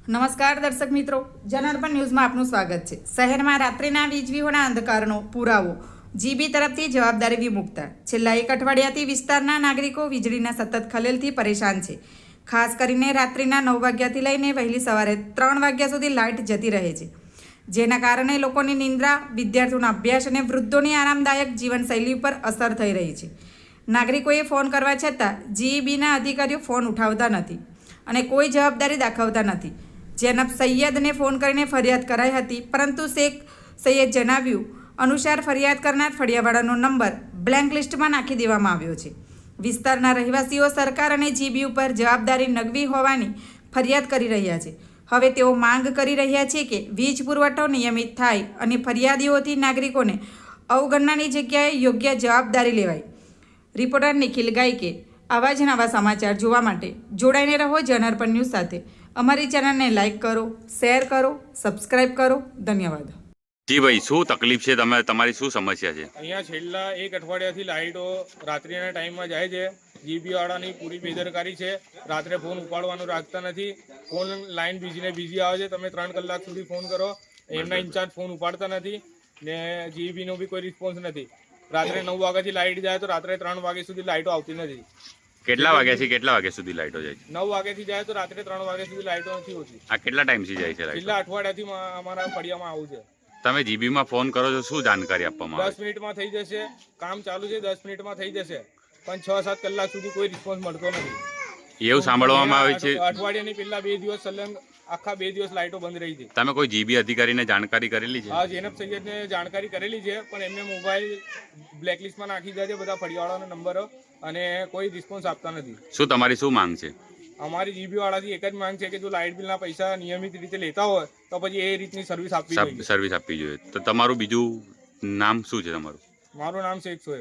નમસ્કાર દર્શક મિત્રો, જનાર્પણ ન્યૂઝમાં આપનું સ્વાગત છે। શહેરમાં રાત્રિના વીજળીઓના અંધકારનો પુરાવો જીબી તરફથી જવાબદારી વિમુક્તા। છેલ્લા એક અઠવાડિયાથી વિસ્તારના નાગરિકો વીજળીના સતત ખલેલથી પરેશાન છે। ખાસ કરીને રાત્રિના 9 વાગ્યાથી લઈને વહેલી સવારે 3 વાગ્યા સુધી લાઇટ જતી રહે છે, જેના કારણે લોકોની નિંદ્રા, વિદ્યાર્થીઓના અભ્યાસ અને વૃદ્ધોની આરામદાયક જીવનશૈલી પર અસર થઈ રહી છે। નાગરિકોએ ફોન કરવા છતાં જીઈબીના અધિકારીઓ ફોન ઉઠાવતા નથી અને કોઈ જવાબદારી દાખવતા નથી। જૈનબ સૈયદને ફોન કરીને ફરિયાદ કરાઈ હતી, પરંતુ શેખ સૈયદ જણાવ્યું અનુસાર ફરિયાદ કરનાર ફળિયાવાળાનો નંબર બ્લેન્ક લિસ્ટમાં નાખી દેવામાં આવ્યો છે। વિસ્તારના રહેવાસીઓ સરકાર અને જીબી ઉપર જવાબદારી નગવી હોવાની ફરિયાદ કરી રહ્યા છે। હવે તેઓ માંગ કરી રહ્યા છે કે વીજ પુરવઠો નિયમિત થાય અને ફરિયાદીઓથી નાગરિકોને અવગણનાની જગ્યાએ યોગ્ય જવાબદારી લેવાય। રિપોર્ટર નિખિલ ગાયકે આવા જ નવા સમાચાર જોવા માટે જોડાઈને રહો જનાર્પણ ન્યૂઝ સાથે। અમારી ચેનલને લાઇક કરો, શેર કરો, સબસ્ક્રાઇબ કરો। ધન્યવાદ। જી ભાઈ, શું તકલીફ છે? તમારી શું સમસ્યા છે? અહીંયા છેલ્લા એક અઠવાડિયાથી લાઇટો રાત્રિના ટાઈમમાં જાય છે। જીબી વાળાની પૂરી બેદરકારી છે। રાત્રે ફોન ઉપાડવાનું રાખતા નથી। ફોન લાઈન બીજી આવે છે। તમે 3 કલાક સુધી ફોન કરો, એમના ઇન્ચાર્જ ફોન ઉપાડતા નથી ને જીબીનો બી કોઈ રિસ્પોન્સ નથી। રાત્રે 9 વાગ્યાથી લાઇટ જાય તો રાત્રે 3 વાગ્યા સુધી લાઇટો આવતી નથી। કેટલા વાગ્યાથી કેટલા વાગ્યા સુધી લાઇટો જાય છે? 9 વાગ્યાથી જાય તો રાત્રે 3 વાગ્યા સુધી લાઇટો નથી હોતી। આ કેટલા ટાઈમથી જાય છે લાઇટ? છેલ્લા અઠવાડિયાથી અમારા ફળિયામાં આવું છે। તમે જીબીમાં ફોન કરો છો, શું જાણકારી આપવામાં આવે? 10 મિનિટમાં થઈ જશે, કામ ચાલુ છે, 10 મિનિટમાં થઈ જશે, પણ 6-7 કલાક સુધી કોઈ રિસ્પોન્સ મળતો નથી। એવું સાંભળવામાં આવે છે અઠવાડિયાની પહેલા 2 દિવસ સલંગ આખા 2 દિવસ લાઇટો બંધ રહી હતી। તમે કોઈ જીબી અધિકારીને જાણકારી કરેલી છે? હા, જૈનબ સૈયદને જાણકારી કરેલી છે, પણ એમને મોબાઈલ બ્લેકલિસ્ટમાં નાખી દીધા છે બધા ફળિયાવાળાના નંબરો, અને કોઈ રિસ્પોન્સ આપતા નથી। શું તમારી શું માંગ છે? અમારી જીબી વાળાથી એક જ માંગ છે કે જો લાઇટ બિલના પૈસા નિયમિત રીતે લેતા હોય તો પછી એ રીતની સર્વિસ આપવી જોઈએ। તો તમારું બીજું નામ શું છે તમારું? મારું નામ શેખ સોએબ।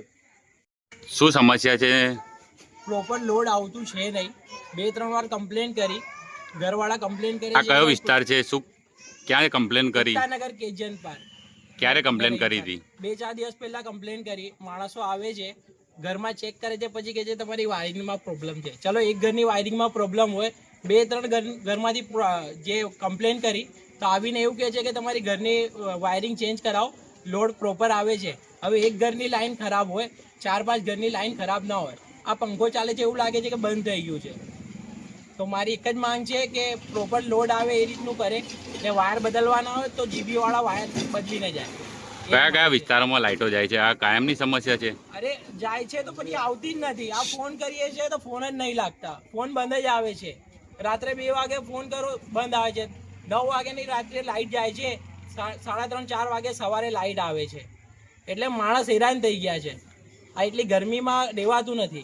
શું સમસ્યા છે? પ્રોપર લોડ આવતું છે નહીં। 2-3 વાર કમ્પ્લેન કરી, ઘરવાળા કમ્પ્લેન કરી। આ કયો વિસ્તાર છે? શું ક્યારે કમ્પ્લેન કરી? નગર કેજન પાર્ક। ક્યારે કમ્પ્લેન કરી હતી? 2-4 દિવસ પહેલા કમ્પ્લેન કરી। માણસો આવે છે, ઘરમાં ચેક કરે છે, પછી કહે છે તમારી વાયરિંગમાં પ્રોબ્લેમ છે। ચલો, એક ઘરની વાયરિંગમાં પ્રોબ્લેમ હોય, 2-3 ઘરમાંથી જે કમ્પ્લેન કરી તો આવીને એવું કહે છે કે તમારી ઘરની વાયરિંગ ચેન્જ કરાવો, લોડ પ્રોપર આવે છે। હવે એક ઘરની લાઈન ખરાબ હોય, 4-5 ઘરની લાઈન ખરાબ ના હોય। આ પંખો ચાલે છે એવું લાગે છે કે બંધ થઈ ગયું છે। તો મારી એક જ માંગ છે કે પ્રોપર લોડ આવે એ રીતનું કરે, ને વાયર બદલવાના હોય તો જીબી વાળા વાયર બદલીને જાય। કયા કયા વિસ્તારોમાં લાઇટો જાય છે? આ કાયમની સમસ્યા છે? અરે જાય છે તો પછી આવતી જ નથી। આ ફોન કરીએ છીએ તો ફોન જ નહીં લાગતા, ફોન બંધ જ આવે છે। રાત્રે 2 વાગે ફોન કરો, બંધ આવે છે। 9 વાગ્યાની રાત્રે લાઇટ જાય છે, 3:30-4 વાગે સવારે લાઇટ આવે છે। એટલે માણસ હેરાન થઈ ગયા છે। આ એટલી ગરમીમાં રહેવાતું નથી।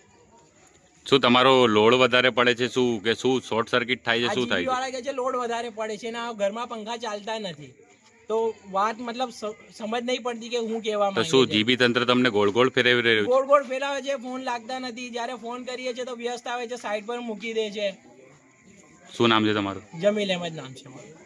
શું તમારો લોડ વધારે પડે છે? શું શોર્ટ સર્કિટ થાય છે? શું થાય છે? વાળા કે છે લોડ વધારે પડે છે ને ઘરમાં પંખા ચાલતા નથી। તો વાત મતલબ સમજ નહીં પડતી કે હું કહેવા માંગુ છું। શું જીબી તંત્ર તમને ગોળ ફેરવી રહ્યું છે? ગોળ ફેરવે છે, ફોન લાગતા નથી। જ્યારે ફોન કરીએ છીએ તો વ્યસ્ત આવે છે, સાઈડ પર મૂકી દે છે। શું નામ છે તમારું? જમીલ અહેમદ નામ છે મારું।